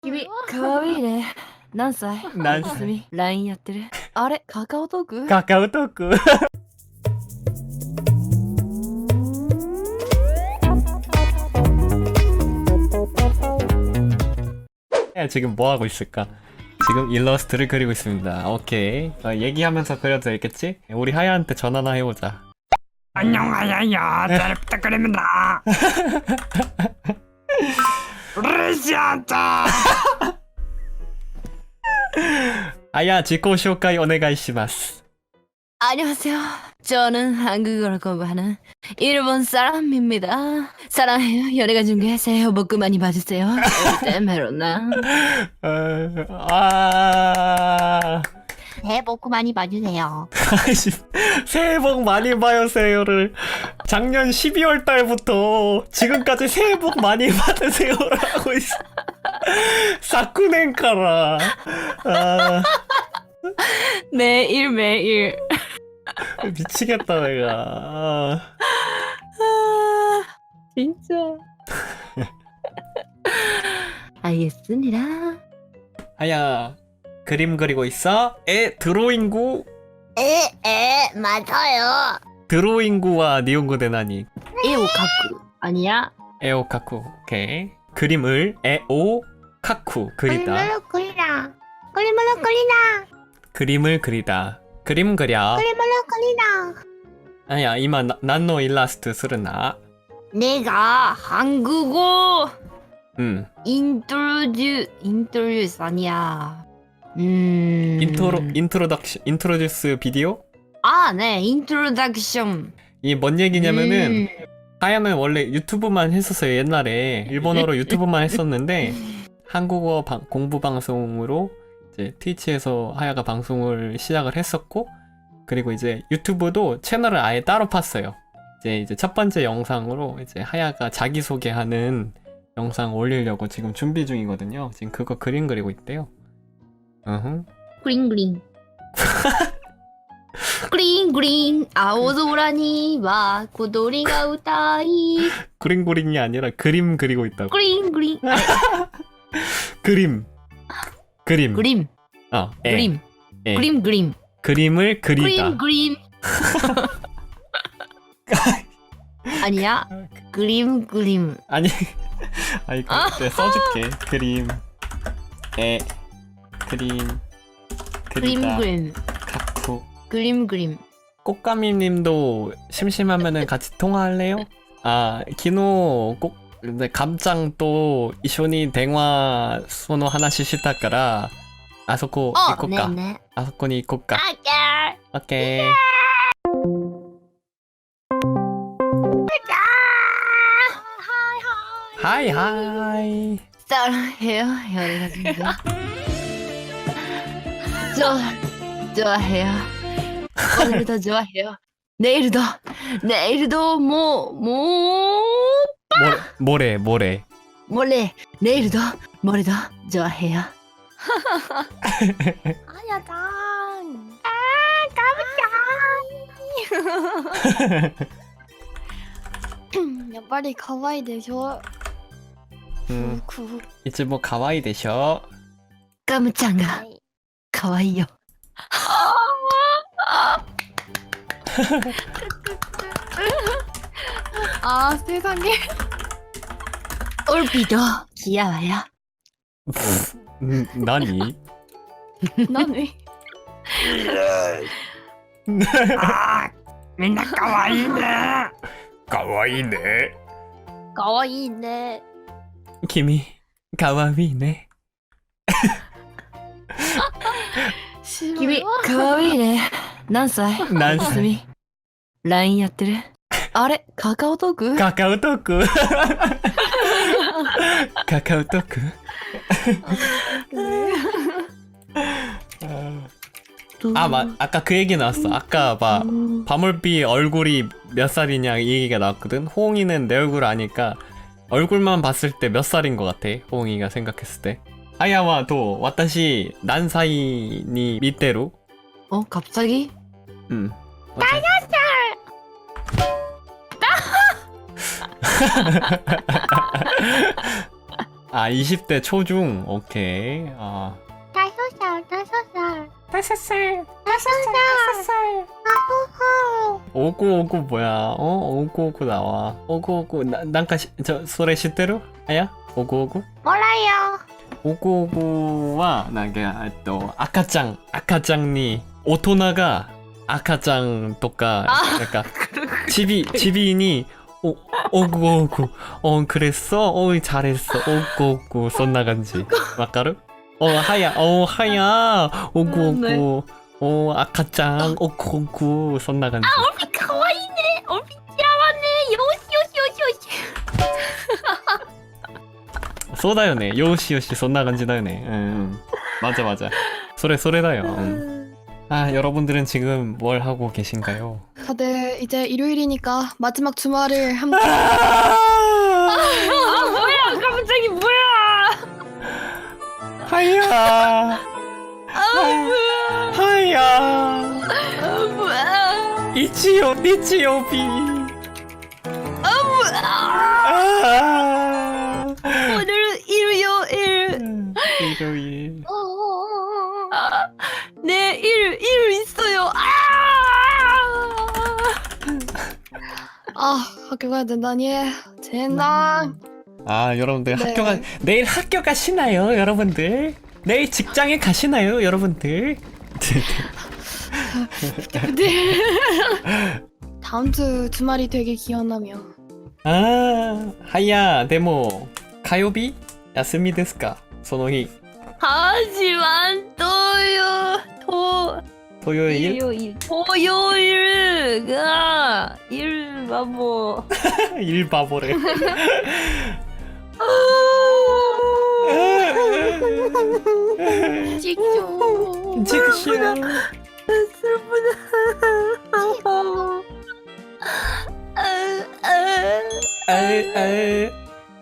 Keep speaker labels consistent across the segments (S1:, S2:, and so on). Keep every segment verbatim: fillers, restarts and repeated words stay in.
S1: 君、かわいいね。何歳
S2: 何歳
S1: すみ、ライン やってる。あれ、カカオトーク
S2: カカオトーク야, 지금 뭐 하고 있을까? 지금 일러스트를 그리고 있습니다. 오케이. 어, 얘기하면서 그려도 되겠지? 우리 하야한테 전화나 해보자.
S3: 안녕하세요. 잘 부탁드립니다. 리시안타.
S2: 하야, 지코 쇼카이 오네가이시마스.
S1: 안녕하세요. 저는 한국어를 공부하는 일본 사람입니다. 사랑해요. 연애가 중계 새해 복 많이 받으세요. 절대 메로나.
S2: 어, 아,
S4: 새해 복 많이 봐주세요.
S2: 아이씨, 새해 복 많이 받으세요를 작년 십이월 달부터 지금까지 새해 복 많이 받으세요를 하고 있어. 사쿠넨카라. 아,
S1: 매일 매일.
S2: 미치겠다 내가. 아.
S1: 아, 진짜. 알겠습니다.
S2: 하야, 그림 그리고 있어? 에, 드로잉구?
S4: 에, 에, 맞아요.
S2: 드로잉구와 니온고 대나니.
S1: 에오카쿠 아니야?
S2: 에오카쿠. 오케이. 그림을 에오카쿠 그리다.
S4: 그림으로 그리라. 그림으로 그리라.
S2: 그림을 그리다. 그림 그려.
S4: 그림으로 그리라.
S2: 아야, 이마 난노 일라스트 쓰르나.
S1: 내가 한국어
S2: 음.
S1: 인트로듀 인트로듀스 아니야. 음.
S2: 인트로 인트로덕션 인트로듀스 비디오?
S1: 아, 네. 인트로덕션.
S2: 이 뭔 얘기냐면은
S1: 음.
S2: 하야는 원래 유튜브만 했었어요. 옛날에 일본어로 유튜브만 했었는데 한국어 방, 공부 방송으로 이제 트위치에서 하야가 방송을 시작을 했었고, 그리고 이제 유튜브도 채널을 아예 따로 팠어요. 이제 이제 첫 번째 영상으로 이제 하야가 자기 소개하는 영상 올리려고 지금 준비 중이거든요. 지금 그거 그림 그리고 있대요. 어흥.
S1: 그린 그린. 그린 그린 아오조라니 와 고도리가 우타이.
S2: 그림 그림이 아니라 그림 그리고 있다고.
S1: 그린 그린.
S2: 그림. 그림.
S1: 그림.
S2: 어, 에,
S1: 그림.
S2: 에.
S1: 그림 그림.
S2: 그림을 그리다.
S1: 그림 그림. 아니야. 그림 그림.
S2: 아니, 아니, 그, 내가 써줄게. 그림, 에, 그림,
S1: 그림
S2: 그리다,
S1: 그림.
S2: 가쿠.
S1: 그림 그림.
S2: 꽃가미님도 심심하면은 같이 통화할래요? 아, 기노 꼭, 근데 감짱 또 이쇼니 대화 소노 하나씩 시타까라 아소코
S1: 어,
S2: 이코까.
S1: 네네.
S2: 아소코니 이코까.
S4: 아까.
S2: 오케이. 하이 하이.
S1: 사랑해요. 연애가 중계. 저 좋아해요. 오늘도 좋아해요. 내일도 내일도 뭐뭐
S2: 모레 모레 모레.
S1: 몰래 내일도 모레도 좋아해요.
S4: 아야장. 아, 까불짱. やっぱり可愛いでしょ。
S2: 음,
S4: くく
S2: 이제 뭐 가와이 되셔.
S1: 까무짱가 가와이요.
S4: 아, 세상에.
S1: 올비도 귀여워요.
S2: 음, 나니?
S4: 나네.
S3: 아, 민나 가와이네.
S2: 가와이네.
S4: 可愛いね。
S2: 김이 가와이네.
S1: 君かわいいね。何歳
S2: 何歳
S1: すみ ライン やってる。あれカカオトーク
S2: 카카오토크. 카카오토크. 아, 맞. 아까 그 얘기 나왔어. 아까 막 바물비 얼굴이 몇 살이냐 이 얘기가 나왔거든. 호응이는 내 얼굴 아니까 얼굴만 봤을 때 몇 살인 것 같아. 호응이가 생각했을 때. 하야와 도 와타시 난사이 니 밑대로.
S1: 어 갑자기?
S2: 음. 아 이십 대 초중. 오케이. 아
S4: 다섯 살, 다섯 살.
S2: 다섯 살.
S4: 다섯 살. 다섯 살.
S2: 오구오구 뭐야? 어 오구오구 나와. 오구오구 나 난가 시, 저 소레 시대로? 아야? 오구오구?
S4: 몰라요.
S2: 오구오구와 나게 또 아카짱 아카짱니 오토나가 아카짱 또까 그러니까 집이 집이니 오 오구오구 어 그랬어 어 잘했어 오구오구 쏜나간지 막가루 어 하야 어 하야 오구오구 어 아카짱 오구오구 쏜나간지
S4: 얼핏 가와이네. 얼핏 지라왔네. 요시 요시 요시 요시.
S2: 쏘다요네 요시요시 쏜나간지다요네 응 맞아 맞아 소레 소레다요 응. 아 여러분들은 지금 뭘 하고 계신가요?
S4: 다들 이제 일요일이니까 마지막 주말을 함께.
S1: 아 뭐야 갑자기 뭐야
S2: 하야 하야
S1: 아 뭐야
S2: 이치요 니치요비 아
S1: 오늘 일요일
S2: 일요일
S1: 네 일 일 있어요 아
S4: 아 학교 가야 된다니. 젠장.
S2: 아 여러분들
S4: 네.
S2: 학교가 내일 학교 가시나요 여러분들? 내일 직장에 가시나요 여러분들?
S4: 다음 주 주말이 되게 기원하며.
S2: 아 하야 데모 가요비 야스미 데스かその日
S1: 하지만 또요 또
S2: 토요일
S1: 일요일 토요일가 일바보
S2: 일바보래
S4: 찍죠.
S2: 직시야
S1: 슬프다
S2: 아아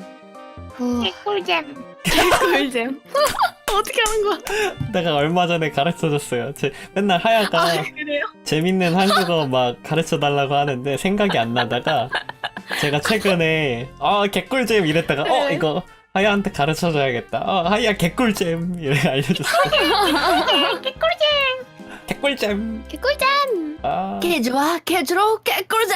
S4: 개꿀잼. 개꿀잼. 어떻게 하는 거야?
S2: 내가 얼마 전에 가르쳐줬어요. 제, 맨날 하야가
S4: 그래요?
S2: 재밌는 한국어 막 가르쳐달라고 하는데 생각이 안 나다가 제가 최근에 어 개꿀잼 이랬다가 어 이거 하야한테 가르쳐줘야겠다. 어 하야 개꿀잼 이래 알려줬어요.
S4: 개꿀잼.
S2: 개꿀잼.
S4: 개꿀잼.
S2: 아
S1: 개좋아 개주로 개꿀잼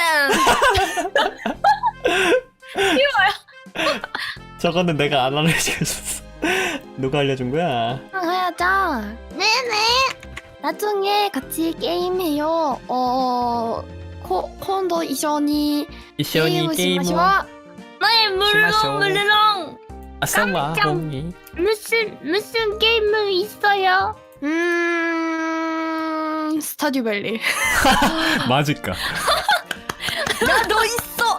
S2: 저거는 내가 안 알려줬어. 누가 알려준 거야?
S4: 하야짱. 네네. 나중에 같이 게임해요. 어, 코, 콘도 이션이
S2: 이시오니 게임
S4: 시마시와.
S1: 네
S2: 심하쇼.
S1: 물렁 물렁
S2: 아싸와
S4: 깜짝.
S2: 홍이
S4: 무슨 무슨 게임은 있어요? 음, 스타듀밸리.
S2: 맞을까?
S1: 나도 있어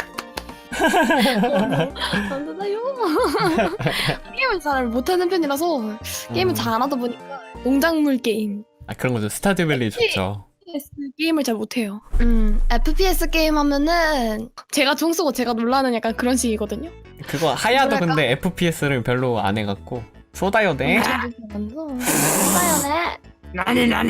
S4: 안되나요? 게임을 잘 못하는 편이라서 게임을
S2: 음.
S4: 잘 안 하다 보니까 농작물 게임.
S2: 아 그런 거죠. 스타듀밸리 좋죠.
S4: 에프피에스 게임을 잘 못해요. 음, 에프피에스 게임 하면은 제가 총 쏘고 제가 놀라는 약간 그런 식이거든요.
S2: 그거 하야도
S4: 뭐랄까?
S2: 근데 에프피에스를 별로 안 해갖고 소다요네.
S4: 맞아요,
S3: 나니 나니.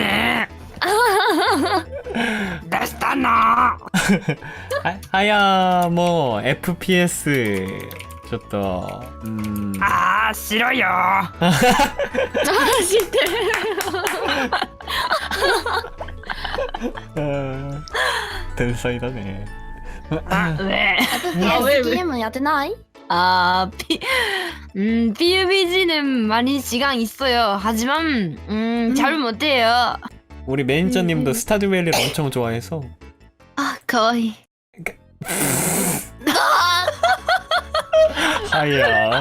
S3: 데스타나.
S2: 하, 하야 뭐 에프피에스 좋다. 음.
S3: 아 싫어요.
S4: 아, 진짜.
S2: 아,天才だね.
S3: 아 왜?
S1: 아, 왜,
S4: 에프피에스
S1: 왜?
S4: 게임은 야드나이?
S1: 아, 피, 음, 피유비지는 많이 시간 있어요. 하지만, 음, 잘 못해요.
S2: 우리 매니저님도
S4: 음, 음.
S2: 스타듀밸리를 엄청 좋아해서
S1: 아, 거의.
S2: 하야.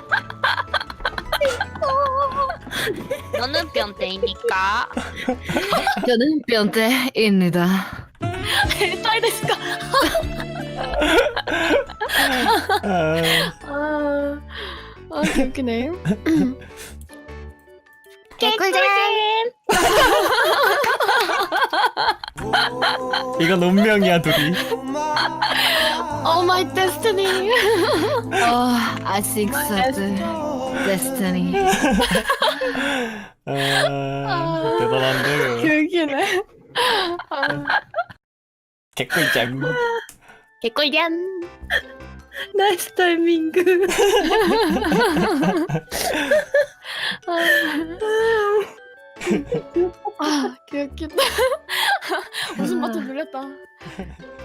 S5: 너는 변태이니까.
S1: 저는 변태입니다.
S4: 딸 됐을까?
S2: 아,
S4: 아, 아, 웃기네. 개꿀잼.
S2: 이건 운명이야 둘이.
S4: 오 마이 데스티니.
S1: Oh, I think so. Destiny.
S2: 아, 대단한데.
S4: 개웃기네.
S2: 개꿀잼.
S4: 개꿀잼.
S1: 나이스 타이밍.그
S4: 아, 개웃기다. 웃음 버튼 눌렸다.